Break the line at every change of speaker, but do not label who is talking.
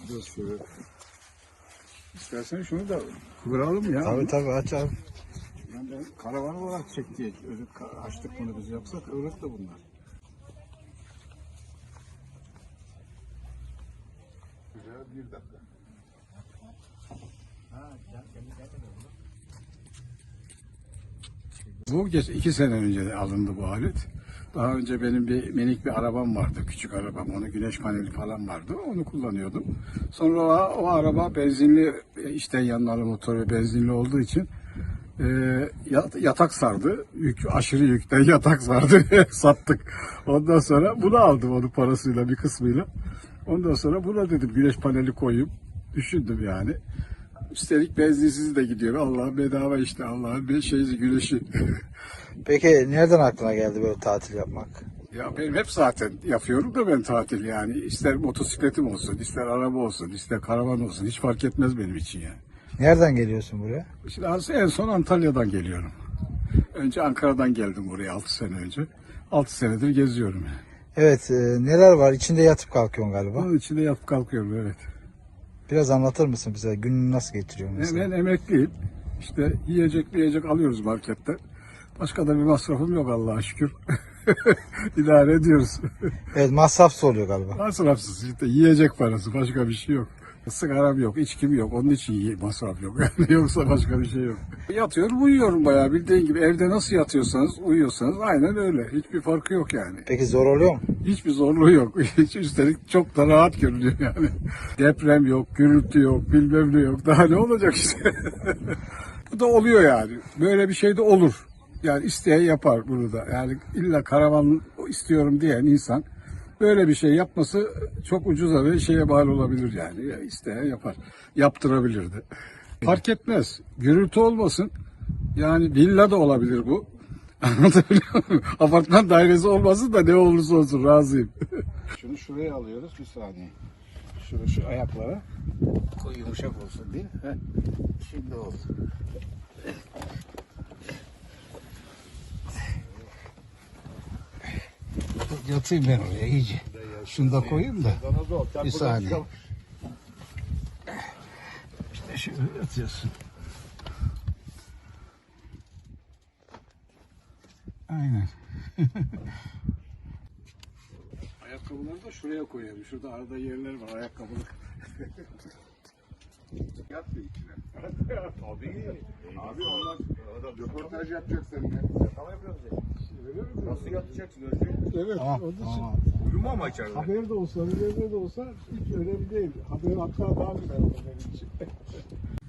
Dur şöyle. İstersen şunu da kıvıralım ya.
Tabii aç abi.
Yani ben karavan olarak çek diye açtık bunu biz, yoksa kıvırık da bunlar. Güzel, bir dakika. Bu 2 sene önce alındı bu alet. Daha önce benim minik bir arabam vardı, küçük arabam. Onun güneş paneli falan vardı. Onu kullanıyordum. Sonra o araba benzinli, içten yanmalı motoru benzinli olduğu için yatak sardı. Aşırı yükten yatak sardı. Sattık. Ondan sonra bunu aldım, onun parasıyla, bir kısmıyla. Ondan sonra buna dedim güneş paneli koyayım. Düşündüm yani. Üstelik benzinsiz de gidiyor. Allah bedava işte, Allah'ın bir şeyi, güneşi.
Peki nereden aklına geldi böyle tatil yapmak?
Ya benim hep zaten yapıyorum da ben tatil yani. İster motosikletim olsun, ister araba olsun, ister karavan olsun. Hiç fark etmez benim için yani.
Nereden geliyorsun buraya?
Şimdi en son Antalya'dan geliyorum. Önce Ankara'dan geldim buraya 6 sene önce. 6 senedir geziyorum yani.
Evet, neler var? İçinde yatıp kalkıyorsun galiba.
Onun içinde yapıp kalkıyorum, evet.
Biraz anlatır mısın bize? Gününü nasıl geçiriyorsun mesela?
Ben emekliyim. İşte yiyecek alıyoruz marketten. Başka da bir masrafım yok Allah'a şükür. İdare ediyoruz.
Evet, masrafsız oluyor galiba.
Masrafsız işte, yiyecek parası, başka bir şey yok. Sigaram yok, içkim yok. Onun için masraf yok. Yani yoksa başka bir şey yok. Yatıyorum, uyuyorum bayağı, bildiğin gibi. Evde nasıl yatıyorsanız, uyuyorsanız aynen öyle. Hiçbir farkı yok yani.
Peki zor oluyor mu?
Hiçbir zorluğu yok. Üstelik çok da rahat görünüyor yani. Deprem yok, gürültü yok, bilmem ne yok. Daha ne olacak işte. Bu da oluyor yani. Böyle bir şey de olur. Yani isteyen yapar bunu da. Yani illa karavan istiyorum diyen insan böyle bir şey yapması çok ucuza bir şeye mal olabilir yani. Ya isteyen yapar. Yaptırabilir de. Fark etmez. Gürültü olmasın. Yani villa da olabilir bu. Anlatabiliyor muyum? Apartman dairesi olmasın da ne olursa olsun razıyım. Şunu şuraya alıyoruz, bir saniye. Şu ayaklara koy, yumuşak olsun diye. Şimdi oldu. Yatayım ben oraya iyice. Şunu da koyayım da. Bir saniye. İşte şöyle yatıyorsun. Aynen. Ayakkabıları da şuraya koyalım. Şurada arada yerler var, ayakkabılık. Yat mı içine? Tabii. Abi onlar röportaj yapacak seninle.
Tamam yapıyoruz ya.
Öyle mi?
Nasıl yatacaksın Özgür?
Evet.
Tamam,
Onun için
tamam.
Uyuma ama içeride.
haber de olsa, haber de olsa hiç önemli değil. Haber hatta daha güzel olur benim için.